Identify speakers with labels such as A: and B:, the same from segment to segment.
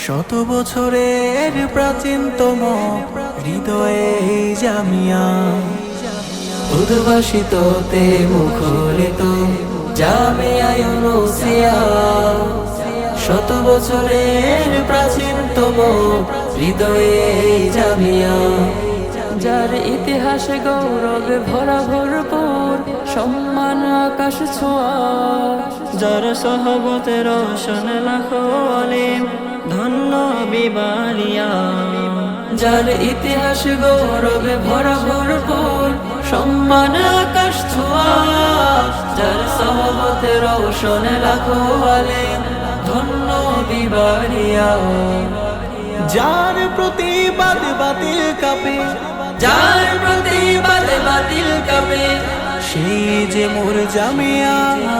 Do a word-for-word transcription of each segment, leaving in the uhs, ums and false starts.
A: শত বছরের প্রাচীনতম হৃদয়ে এই জামিয়া, উদ্ভাসিততে মুখরিত জামিয়া ইউনুসিয়া। শত বছরের প্রাচীনতম হৃদয়ে এই জামিয়া,
B: যার ইতিহাসে গৌরবে ভরা ভরপুর, সম্মান আকাশ ছোঁয়া।
C: যার সহবতে রোশন লাখো আলিম, ধন্য বিবালিয়া।
B: যার ইতিহাসে গৌরবে ভরা ভরপুর, সম্মান আকাশ ছোঁয়া। যার সহবতে রোশন লাখো আলিম, ধন্য বিবালিয়া।
A: যার প্রতিবাদ বাতিল কাঁপে,
B: যার প্রতিবাদ বাতিল কাঁপে,
A: সেই যে মোর জামিয়া।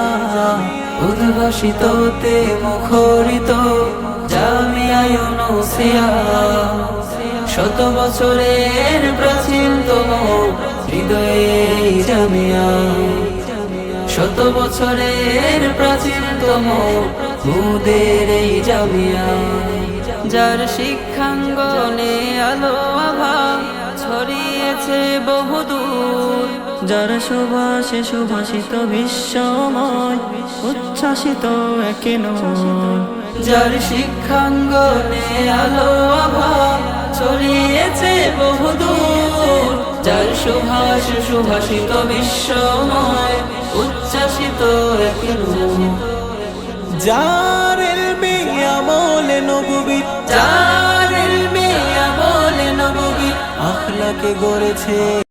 B: উদ্ভাসিততে মুখরিত জামিয়া ইউনুসিয়া। শত বছরের প্রাচীনতম হৃদয়ে এই জামিয়া, শত বছরের প্রাচীনতম মুদের এই জামিয়া। যার শিক্ষাঙ্গনে আলো আভা ছড়িয়েছে বহুদূর,
C: যার সুভাষে সুভাষিত বিশ্বময়, উচ্ছ্বাসিত একে নূর।
B: যার শিক্ষাঙ্গনে আলো আভা ছড়িয়েছে বহুদূর, যার সুভাষ সুভাষিত বিশ্বময়, উচ্ছ্বাসিত একে নূর।
A: যার ইলমে আমলে নববী,
B: যার ইলমে আমলে নববী,
A: আখলাকে গড়েছে